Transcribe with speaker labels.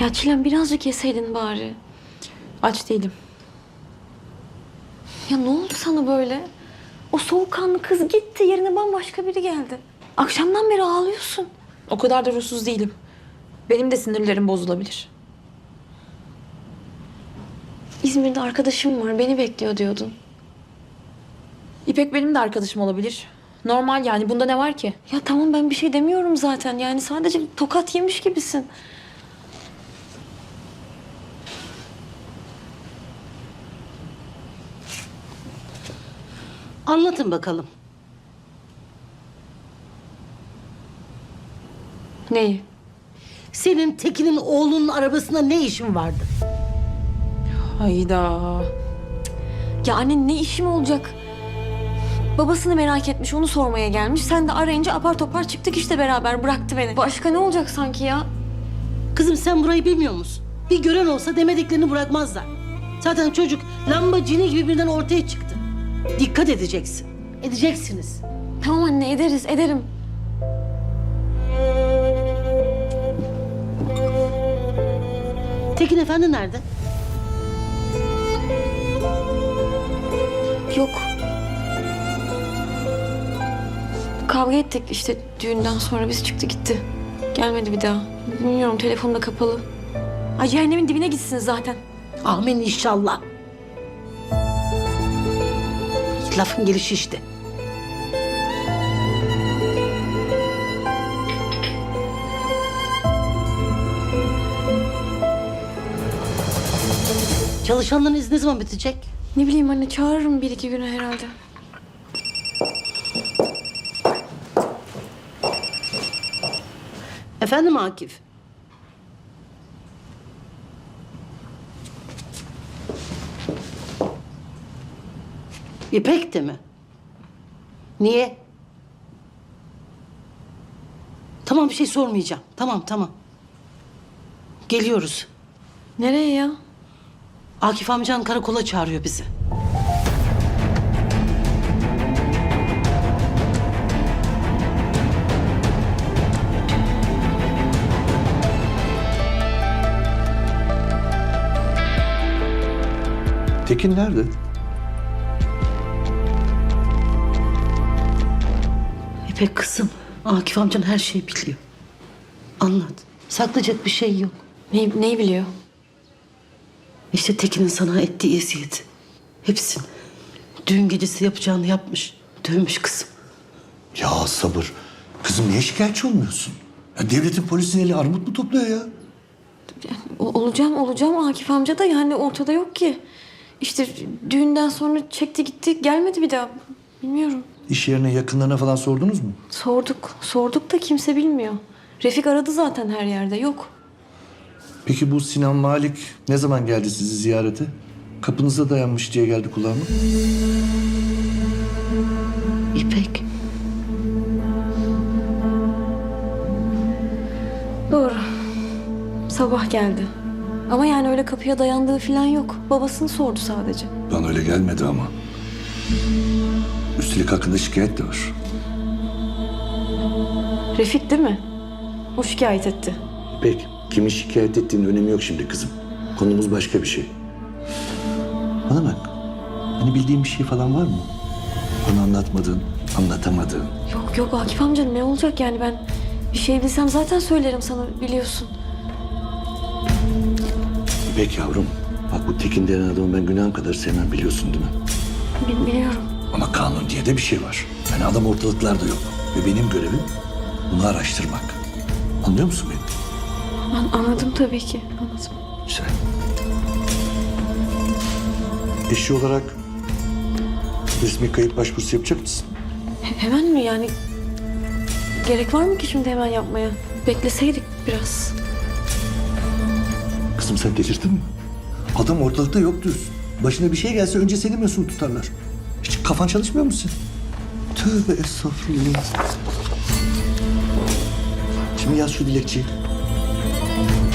Speaker 1: Ya Çilem birazcık yeseydin bari.
Speaker 2: Aç değilim.
Speaker 1: Ya ne oldu sana böyle? O soğukkanlı kız gitti, yerine bambaşka biri geldi. Akşamdan beri ağlıyorsun.
Speaker 2: O kadar da ruhsuz değilim. Benim de sinirlerim bozulabilir.
Speaker 1: İzmir'de arkadaşım var, beni bekliyor diyordun.
Speaker 2: İpek benim de arkadaşım olabilir. Normal yani. Bunda ne var ki?
Speaker 1: Ya tamam ben bir şey demiyorum zaten. Yani sadece tokat yemiş gibisin.
Speaker 3: Anlatın bakalım.
Speaker 1: Neyi?
Speaker 3: Senin Tekin'in oğlunun arabasında ne işin vardı?
Speaker 2: Hayda.
Speaker 1: Ya anne ne işim olacak? Babasını merak etmiş, onu sormaya gelmiş. Sen de arayınca apar topar çıktık işte beraber, bıraktı beni. Başka ne olacak sanki ya?
Speaker 3: Kızım sen burayı bilmiyor musun? Bir gören olsa demediklerini bırakmazlar. Zaten çocuk lamba cini gibi birden ortaya çıktı. Dikkat edeceksin. Edeceksiniz.
Speaker 1: Tamam anne, ederiz, ederim.
Speaker 3: Tekin Efendi nerede?
Speaker 1: Yok. Kavga ettik işte düğünden sonra, biz çıktı gitti. Gelmedi bir daha. Bilmiyorum, telefonu da kapalı. Ay cehennemin dibine gitsin zaten.
Speaker 3: Amin inşallah. Lafın gelişi işte. Çalışanların izni ne zaman bitecek?
Speaker 1: Ne bileyim anne, çağırırım bir iki güne herhalde.
Speaker 3: Efendim Akif? İpek de mi? Niye? Tamam bir şey sormayacağım. Tamam. Geliyoruz.
Speaker 1: Nereye ya?
Speaker 3: Akif amcan karakola çağırıyor bizi.
Speaker 4: Tekin nerede?
Speaker 3: İpek kızım, Akif amcan her şeyi biliyor. Anlat. Saklayacak bir şey yok.
Speaker 1: Neyi biliyor?
Speaker 3: İşte Tekin'in sana ettiği eziyeti. Hepsini. Düğün gecesi yapacağını yapmış. Dövmüş kızım.
Speaker 4: Ya sabır. Kızım niye şikayetçi olmuyorsun? Ya devletin polisin eli armut mu topluyor ya?
Speaker 1: Olacağım Akif amca da yani ortada yok ki. İşte düğünden sonra çekti gitti, gelmedi bir daha. Bilmiyorum.
Speaker 4: İş yerine yakınlarına falan sordunuz mu?
Speaker 1: Sorduk da kimse bilmiyor. Refik aradı zaten her yerde, yok.
Speaker 4: Peki bu Sinan Malik ne zaman geldi sizi ziyarete? Kapınıza dayanmış diye geldi kulağıma.
Speaker 3: İpek.
Speaker 1: Doğru. Sabah geldi. Ama yani öyle kapıya dayandığı falan yok. Babasını sordu sadece.
Speaker 4: Bana öyle gelmedi ama. Üstelik hakkında şikayet de var.
Speaker 1: Refik değil mi? O şikayet etti.
Speaker 4: İpek, kimin şikayet ettiğinin önemi yok şimdi kızım. Konumuz başka bir şey. Bana bak. Hani bildiğin bir şey falan var mı? Bana anlatmadığın, anlatamadığın.
Speaker 1: Yok Akif amca, ne olacak yani, ben bir şey bilsem zaten söylerim sana, biliyorsun.
Speaker 4: İpek yavrum, bak bu Tekin denen adamı ben günahım kadar sevmem, biliyorsun değil mi?
Speaker 1: Biliyorum.
Speaker 4: Ama kanun diye de bir şey var. Yani adam ortalıklarda yok. Ve benim görevim bunu araştırmak. Anlıyor musun beni?
Speaker 1: Anladım tabii ki, anladım.
Speaker 4: Güzel. Eşi olarak resmi kayıp başvurusu yapacak mısın?
Speaker 1: Hemen mi yani? Gerek var mı ki şimdi hemen yapmaya? Bekleseydik biraz.
Speaker 4: Kızım sen delirdin mi? Adam ortalıkta yok diyorsun. Başına bir şey gelse önce seni mesul tutarlar. Hiç kafan çalışmıyor musun? Tövbe estağfurullah. Şimdi yaz şu dilekçeyi.